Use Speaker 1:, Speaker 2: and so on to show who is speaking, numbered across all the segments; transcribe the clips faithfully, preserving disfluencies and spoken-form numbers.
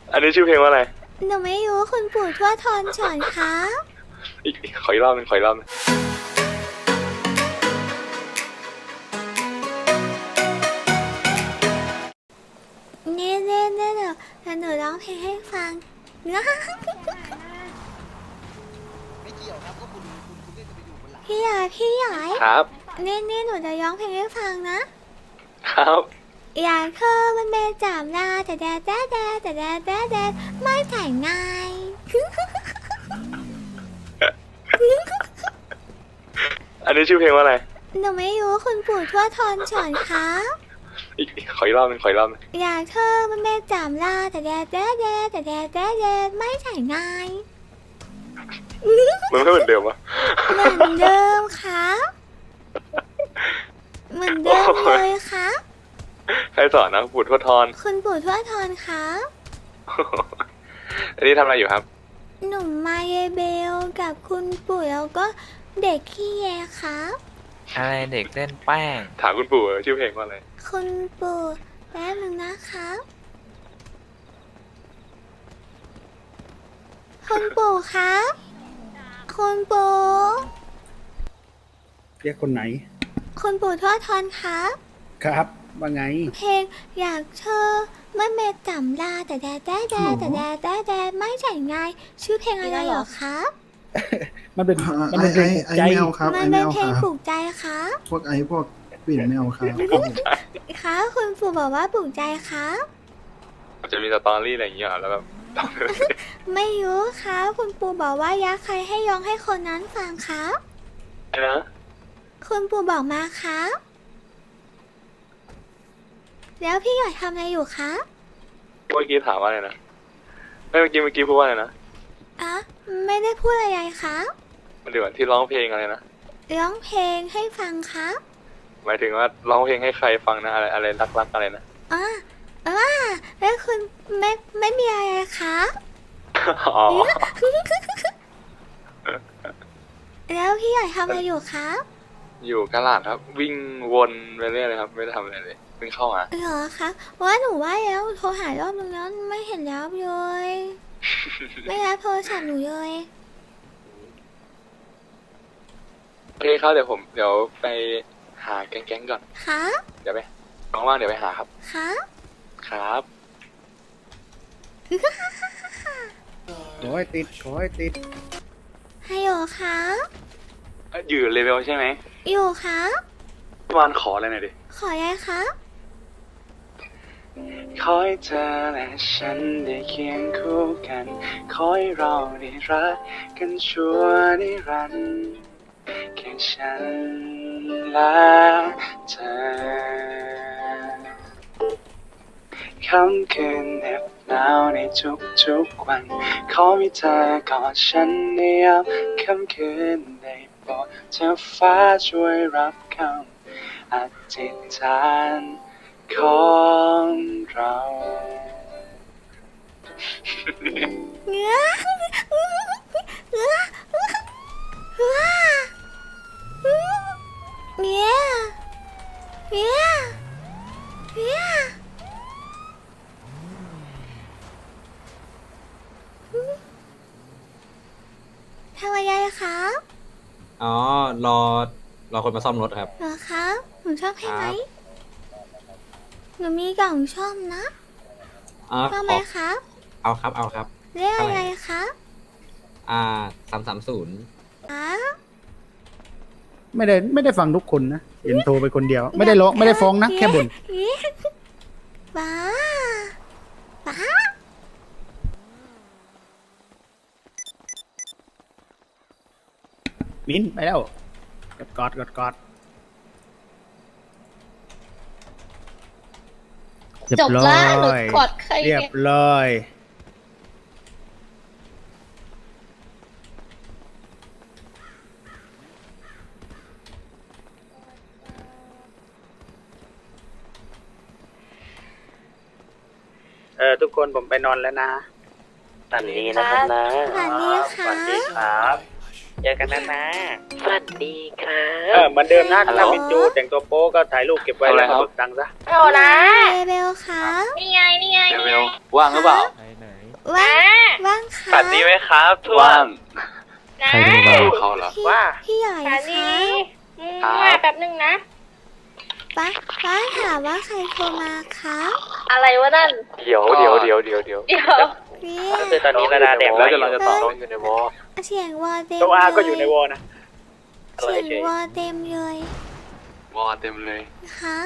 Speaker 1: อันนี้ชื่อเพลงว่าอะไร
Speaker 2: หนูไม่รู้คุณปู่ทวดทอนสอนครับ
Speaker 1: อีกขออีกรอบนึงขออีกรอบนึง
Speaker 2: นี่เล่นเล่นเดี๋ยวหนูร้องเพลงให้ฟังนะ
Speaker 3: ไม่เกี่ยวครับก็คุณคุณคุณเล่นจะไปอยู่บนหลัง
Speaker 2: พี่ใหญ่พี่ใหญ่
Speaker 1: ครับ
Speaker 2: นี่นี่หนูจะร้องเพลงให้ฟังนะครับ อยากเธอมันเป็นจามลาแต่แดดแดดแดดแต่แดดแดดแดดไม่แต่งง่าย
Speaker 1: อันนี้ชื่อเพลงว่าอะไร
Speaker 2: หนูไม่รู้คุณปู่ทวดทอนสอนครับ
Speaker 1: อีกขออีกรอบนึงขออีกรอบนึง
Speaker 2: อยากเธอมันเป็นจามลาแต่แดดแดดแดดแต่แดดแดดแดดไม่แต่งง่าย
Speaker 1: มันไม่เหมือนเดิมวะ
Speaker 2: เหมือนเดิมครับ เหมือนเดิมเลยครับ
Speaker 1: ใครสอนนะปู่ทวดทอน
Speaker 2: คุณปู่ทวดทอนครับ
Speaker 1: อันนี้ทำอะไรอยู่ครับ
Speaker 2: หนุ่มมาเยเบลกับคุณปู่แล้วก็เด็กขี้แยครับ
Speaker 4: อะไรเด็กเล่นแป้ง
Speaker 1: ถามคุณปู่ชื่อเพลงว่าอะไร
Speaker 2: คุณปู่แป๊บนึงนะครับ คุณปู่ครับ คุณปู่
Speaker 5: เรียกคนไหน
Speaker 2: คุณปู่ทวดทอนครับ
Speaker 5: ครับ ว่าไง
Speaker 2: เพลงอยากเธอเมื่อเมจำลาแต่แดดแดดแดดแต่แดดแดดแดดไม่ใช่ง่ายชื่อเพลงอะไรเหรอครับ
Speaker 5: มันเป็น
Speaker 6: อ่า
Speaker 5: มันเป็นเพลง
Speaker 6: ไอ
Speaker 5: ใจ
Speaker 6: ไอแมวครับ
Speaker 2: มั
Speaker 6: ไอน แม
Speaker 2: เป็น
Speaker 6: ว
Speaker 2: เพลง
Speaker 6: ครับ
Speaker 2: ปลุกใจครับ
Speaker 6: พวกไอพวกปิ่นแมวครับ
Speaker 2: คะคุณปู่บอกว่าปลุกใจครับ
Speaker 1: จะมีสตอรี่อะไรอย่างเงี้ยเหรอแล้วแบบ
Speaker 2: ไม่รู้ครับคุณปู่บอกว่ายักษ์ใครให้ยองให้คนนั้นฟังครับ
Speaker 1: ไอ้นะ
Speaker 2: คุณปู่บอกมาครับ แล้วพี่หยอยทำอะไรอยู่ครับ
Speaker 1: เมื่อกี้ถามว่าอะไรนะไม่เมื่อกี้เมื่อกี้พูดว่าอะไรนะ
Speaker 2: อ่ะไม่ได้พูดอะไรครับ
Speaker 1: มันเดี๋ยวที่ร้องเพลงอะไรนะ
Speaker 2: ร้องเพลงให้ฟังครับ
Speaker 1: หมายถึงว่าร้องเพลงให้ใครฟังนะอะไรอะไรรักๆอะไรนะ
Speaker 2: อ่ะอ่ะแล้วคุณไม่ไม่มีอะไรครับ
Speaker 1: อ๋อ
Speaker 2: แล้วพี่หยอยทำอะไรอยู่ครับ
Speaker 1: อยู่กะลาดครับ วิ่งวนไปเรื่อยเลยครับไม่ได้ทำอะไรเลยเพิ่งเข้ามา
Speaker 2: เหรอครับว่าหนูว่าแล้วโทรหารอบนึงแล้วไม่เห็นรับเลย ไม่รับโทรศัพท์หนูเลย
Speaker 1: โอเคครับเดี๋ยวผมเดี๋ยวไปหาแก๊งๆก่อน
Speaker 2: ครับ
Speaker 1: เดี๋ยวไปว่างๆเดี๋ยวไปหาครับ
Speaker 2: ครับ
Speaker 1: ครับ
Speaker 5: ขอให้ติด ขอให้ติด
Speaker 2: ฮัลโหลครับ
Speaker 1: เอ้ยอยู่เลเวลใช่ไหม
Speaker 2: อยู่ครับ
Speaker 1: ประมาณขออะไรหน่อยดิ
Speaker 2: ขออะไรครับ
Speaker 1: ขอให้เธอและฉันได้เคียงคู่กันขอให้เราได้รักกันชั่วนิรันดร์แค่ฉันและเธอค่ำคืนเหน็บหนาวในทุกๆวันขอให้เธอกอดฉันในยามค่ำคืนได้โปรดเธอฟ้าช่วยรับคำอธิษฐานของเรา
Speaker 2: เนื้อเนื้อเนื้อเนื้อเนื้อเนื้อทำอะไรครับ
Speaker 7: อ๋อ รอ รอคนมาซ่อมรถครับ
Speaker 2: เหรอครับหนูชอบเพลงไหม
Speaker 7: ครับ
Speaker 2: หนูมีกล่องชอบนะ
Speaker 7: อ๋อ
Speaker 2: ชอบ
Speaker 7: ข
Speaker 2: ไหม
Speaker 7: อ
Speaker 2: ครับ
Speaker 7: เอาครับ เอาครับ
Speaker 2: เรียกอะไรครับ
Speaker 7: อ่าสามสามศูนย์
Speaker 2: อ๋อ
Speaker 5: ไม่ได้ไม่ได้ฟังทุกคนนะ เห็นโทรไปคนเดียว ไม่ได้ร้องไม่ได้ฟ้องนะ แค่บ่น
Speaker 2: บ้าบ้า
Speaker 5: มิ้นไปแล้ว กดกอดกดกอดเรีย
Speaker 8: จ
Speaker 5: บบ ร้อ
Speaker 8: ละหนู
Speaker 5: ย
Speaker 8: กดใคร
Speaker 5: เรียบ
Speaker 8: เนี่ย
Speaker 5: ร้อย เออ ทุกคนผมไปนอนแล้วนะ
Speaker 9: ฝันดีนะครับนะ
Speaker 2: สวัสดีค่ะ
Speaker 9: สวัสดีครับ
Speaker 4: เจอกันนะนะสวัสดีครั
Speaker 5: เออบ เหมือนเดิมนะถ้าเป็นจูแต่งตัวโป๊ก็ถ่ายรูปเก็บไว้แล้วก็เบิกตังค์ซะ
Speaker 8: โอ้นะ
Speaker 2: เรเบลครับ
Speaker 8: นี่ไง นี่ไง
Speaker 1: เร็วๆว่างหรือเปล่า
Speaker 2: ว่างว่างค
Speaker 4: ส
Speaker 2: รั
Speaker 4: วั
Speaker 2: บ
Speaker 4: สดีไหมครับทุก
Speaker 1: ว่าง
Speaker 8: นะ
Speaker 1: ดูเขาเหรอ
Speaker 2: พี่
Speaker 5: ว่า
Speaker 2: พี่ใหญ่
Speaker 8: ส
Speaker 2: ค
Speaker 8: วั
Speaker 2: รั
Speaker 8: สดี
Speaker 2: บ
Speaker 8: อืม
Speaker 1: ครับ
Speaker 8: มาแป๊บนึงนะ
Speaker 2: ป้าป้าถามว่าใครโทรมาครับ
Speaker 8: อะไรวะนั่น
Speaker 4: เดี๋ยวเดี๋ยวเดี๋ยวเดี๋ยวเดี๋ยว
Speaker 8: เดี๋ยว
Speaker 2: พี่
Speaker 4: ก็คือตอนนี้ระดาแดก
Speaker 1: แล้วจะเราจะตอบ
Speaker 4: น้องอยู่ในวอล
Speaker 2: เสียงวอเต็ม
Speaker 5: ตัวอาก็
Speaker 2: เล
Speaker 5: อยู่ในวอลนะ
Speaker 2: เสียงวอเต็มเลยว
Speaker 1: อเต็มเลย
Speaker 2: ครับ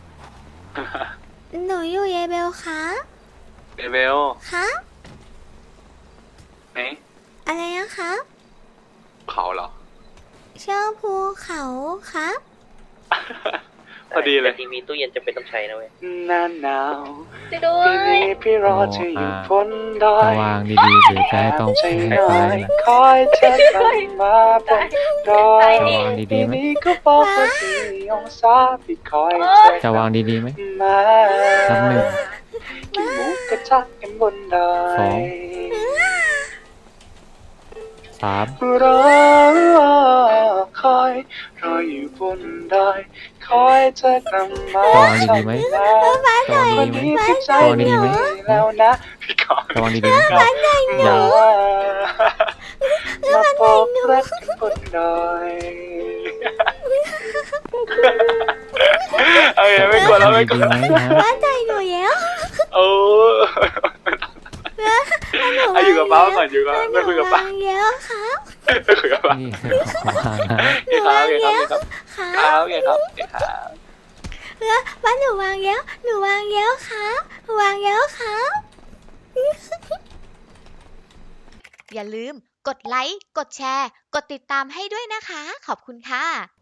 Speaker 2: หนูอยู่เรเบลครับ
Speaker 1: เรเบล
Speaker 2: ครับ
Speaker 1: เอ๊ะ
Speaker 2: อะไรนะครับ
Speaker 1: เขาเหรอ
Speaker 2: เชื่อภูเขาครับ
Speaker 1: พอดีเลย
Speaker 4: ทีมีตู้เย็นจะเป็นต้องใช้นะเว้ย
Speaker 1: หน้าหนาว
Speaker 8: จะดู
Speaker 1: ปีนี้พี่รอเธออยู่บนดอ
Speaker 9: จะ
Speaker 1: ยว
Speaker 9: างดีๆหรือจะให้ต้อง
Speaker 1: ใจ
Speaker 9: ใช้
Speaker 1: น้
Speaker 9: ไฟ
Speaker 1: อย
Speaker 9: นะ
Speaker 1: คอยเธอกลับมาบนดอย
Speaker 9: จะวางดี
Speaker 1: ปี
Speaker 9: ๆไหม
Speaker 1: นี้ก็บอกว่าสี่องศาพี่คอยเธอ
Speaker 9: จะวางดีๆไหม
Speaker 1: มา
Speaker 9: นับหนึ่ง
Speaker 1: กินหมูกระทะกันบนดอ
Speaker 9: สอง
Speaker 1: ย
Speaker 9: สาม
Speaker 1: รอคอยรออยู่บนดอยคอยเธอกลับมา
Speaker 9: จะวางดีๆไหม
Speaker 1: ทำ
Speaker 9: จะวาง
Speaker 1: วัน
Speaker 9: ดีๆไหม
Speaker 1: นี้ที่ใจ
Speaker 9: จะวางดีๆไหม
Speaker 1: แล้วนะพี่ขอ
Speaker 9: จะวางดีๆไหมอย่า
Speaker 1: มาบอกรักกันบนดอยเอาอย่าไม่กลัวแล้วไม่กลั
Speaker 9: ดี
Speaker 1: ว
Speaker 9: ๆไหมฮะ
Speaker 2: บ้านใจหนูแล้ว
Speaker 1: โอ้เอาอยู่กับป้าก่อนอยู่กับไม่คุยกับป้า
Speaker 2: หนูวางแล้วครับ
Speaker 1: ไม่คุยกับป้า
Speaker 9: นี่ของวางนะ
Speaker 1: โอเคครับโอเคครับ
Speaker 2: ครั
Speaker 1: ครับ
Speaker 2: บ
Speaker 1: โอเคครับโอเคครับ
Speaker 2: แล้วบ้านหนูวางแล้วหนูวางแล้วครับวางแล้วครับ
Speaker 10: อย่าลืมกดไลค์ กดแชร์ กดติดตามให้ด้วยนะคะ ขอบคุณค่ะ